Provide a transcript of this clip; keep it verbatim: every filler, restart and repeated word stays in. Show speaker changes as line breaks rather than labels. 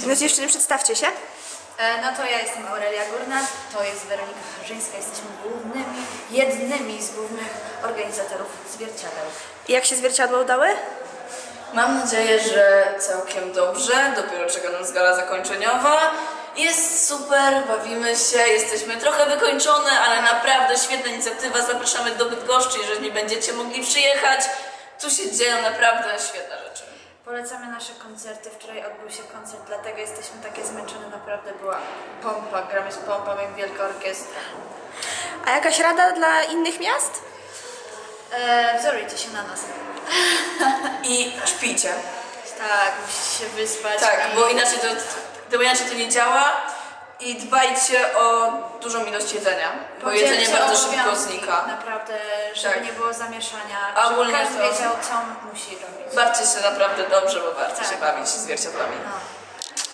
No dziewczyny, przedstawcie się.
No to ja jestem Aurelia Górna, to jest Weronika Harzyńska, jesteśmy głównymi, jednymi z głównych organizatorów zwierciadeł.
I jak się zwierciadła udały?
Mam nadzieję, że całkiem dobrze, dopiero czeka nas gala zakończeniowa. Jest super, bawimy się, jesteśmy trochę wykończone, ale naprawdę świetna inicjatywa, zapraszamy do Bydgoszczy, jeżeli nie będziecie mogli przyjechać. Tu się dzieją naprawdę świetne rzeczy.
Polecamy nasze koncerty, wczoraj odbył się koncert, dlatego jesteśmy takie zmęczone, naprawdę była pompa, gramy z pompą jak wielka orkiestra.
A jakaś rada dla innych miast?
Eee, wzorujcie się na nas.
I śpijcie.
Tak, musicie się wyspać.
Tak,
i...
bo inaczej to, bo inaczej to nie działa. I dbajcie o dużą ilość jedzenia, bo jedzenie bardzo szybko znika.
Naprawdę, żeby
tak.
nie było zamieszania,
A
żeby
ogólnie
każdy
to...
wiedział, co musi robić.
Bawcie się naprawdę dobrze, bo warto
tak.
się bawić zwierciadłami.
No.